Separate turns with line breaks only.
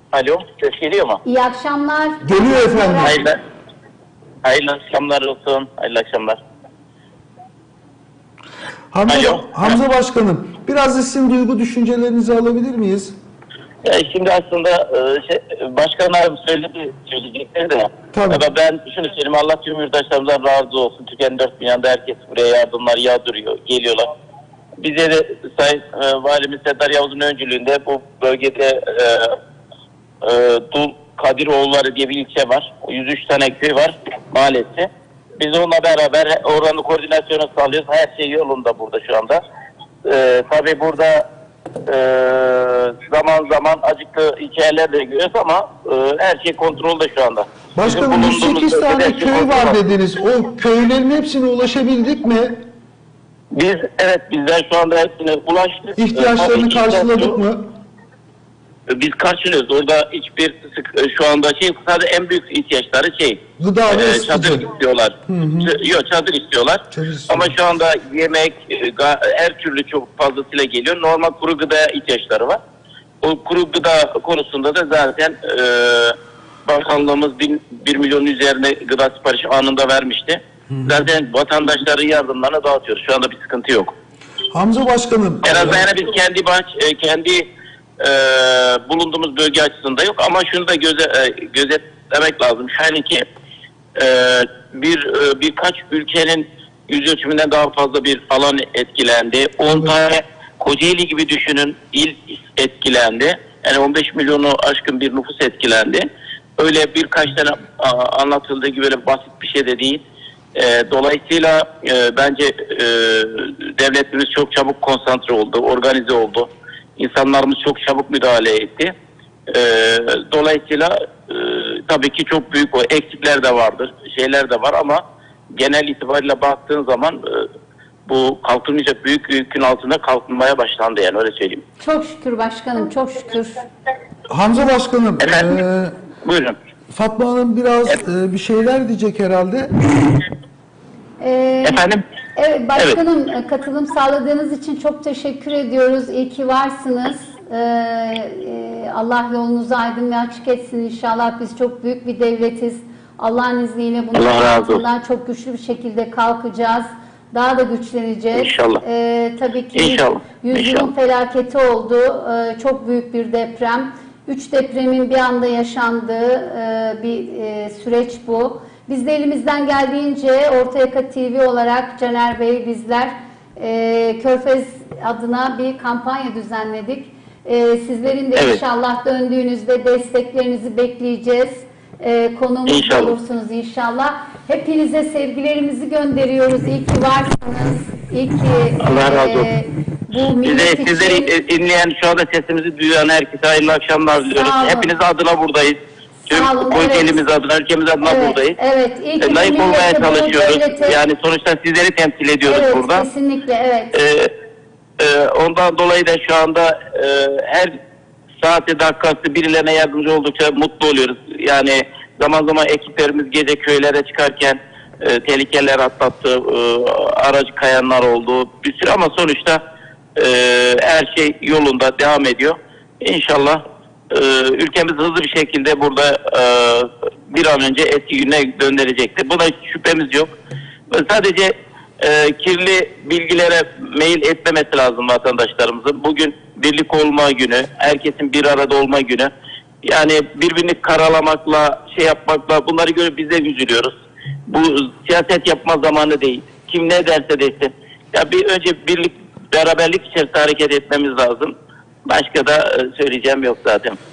Alo, ses geliyor mu?
İyi akşamlar.
Geliyor efendim.
Hayırlı akşamlar olsun. Hayırlı akşamlar.
Hamza Başkanım, biraz da sizin duygu düşüncelerinizi alabilir miyiz?
Şimdi aslında başkanlarım söyleyecekleri de.
Tabii.
Ama ben şunu söyleyeyim, Allah tüm yurttaşlarımızdan razı olsun. Türkiye'nin dört bir yanında herkes buraya yardımlar yağdırıyor, geliyorlar. Bize de Sayın Valimiz Seddar Yavuz'un öncülüğünde bu bölgede Dul Kadiroğulları diye bir ilçe var. 103 tane köy var mahallesi. Biz onunla beraber oranın koordinasyonu sağlıyoruz. Her şey yolunda burada şu anda. Tabii burada zaman zaman acıklı hikayeler de görüyoruz ama her şey kontrolde şu anda.
Başkanım 108 tane köy var dediniz. O köylerin hepsine ulaşabildik mi?
Bizler şu anda hepsine ulaştık.
İhtiyaçlarını karşıladık mı?
Biz karşılıyoruz. Orada hiçbir şu anda sadece en büyük ihtiyaçları
gıda ve
çadır istiyorlar. Yok, çadır istiyorlar. Ama şu anda yemek her türlü çok fazlasıyla geliyor. Normal kuru gıda ihtiyaçları var. O kuru gıda konusunda da zaten bakanlığımız 1 milyon üzerine gıda siparişi anında vermişti. Zaten vatandaşların yardımlarını dağıtıyoruz. Şu anda bir sıkıntı yok.
Hamza Başkanım.
En azından biz kendi bulunduğumuz bölge açısında yok ama şunu da gözetlemek lazım. Yani ki birkaç ülkenin yüz ölçümünden daha fazla bir alan etkilendi. 10 tane Kocaeli gibi düşünün il etkilendi. Yani 15 milyonu aşkın bir nüfus etkilendi. Öyle birkaç tane anlatıldığı gibi böyle basit bir şey de değil. Dolayısıyla bence devletimiz çok çabuk konsantre oldu, organize oldu. İnsanlarımız çok çabuk müdahale etti. Dolayısıyla tabii ki çok büyük o eksikler de vardır, şeyler de var ama genel itibariyle baktığın zaman bu kalkılmayacak büyük yükün altında kalkınmaya başlandı, yani öyle söyleyeyim.
Çok şükür başkanım, çok şükür.
Hamza Başkanım.
Buyurun.
Fatma Hanım biraz bir şeyler diyecek herhalde.
Efendim?
Evet başkanım, katılım sağladığınız için çok teşekkür ediyoruz. İyi ki varsınız. Allah yolunuzu aydın ve açık etsin inşallah. Biz çok büyük bir devletiz. Allah'ın izniyle bunun altından çok güçlü bir şekilde kalkacağız. Daha da güçleneceğiz.
İnşallah.
Tabii ki
İnşallah.
yüzyılın felaketi oldu. Çok büyük bir deprem. 3 depremin bir anda yaşandığı bir süreç bu. Biz de elimizden geldiğince Orta Yaka TV olarak Caner Bey, bizler Körfez adına bir kampanya düzenledik. Sizlerin de inşallah döndüğünüzde desteklerinizi bekleyeceğiz. Konuğumuz olursunuz inşallah. Hepinize sevgilerimizi gönderiyoruz. İyi ki varsınız. İyi ki
Allah razı olsun.
Bu millet için...
Sizleri dinleyen, şu anda sesimizi duyan herkese hayırlı akşamlar diliyoruz. Hepiniz adına buradayız. Tüm Kocaeli'miz adına, ülkemiz adına buradayız.
Evet.
Layık olmaya çalışıyoruz. Yani sonuçta sizleri temsil ediyoruz burada.
Kesinlikle, evet.
Ondan dolayı da şu anda her saati dakikası birilerine yardımcı oldukça mutlu oluyoruz. Yani zaman zaman ekiplerimiz gece köylere çıkarken tehlikeler atlattı, aracı kayanlar oldu bir sürü ama sonuçta her şey yolunda devam ediyor. İnşallah ülkemiz hızlı bir şekilde burada bir an önce eski gününe döndürecektir. Buna şüphemiz yok. Sadece kirli bilgilere mail etmemesi lazım vatandaşlarımızın. Bugün birlik olma günü, herkesin bir arada olma günü. Yani birbirini karalamakla, yapmakla bunları görüp biz de üzülüyoruz. Bu siyaset yapma zamanı değil. Kim ne derse desin. Ya bir önce birlik, beraberlik içerisinde hareket etmemiz lazım. Başka da söyleyeceğim yok zaten.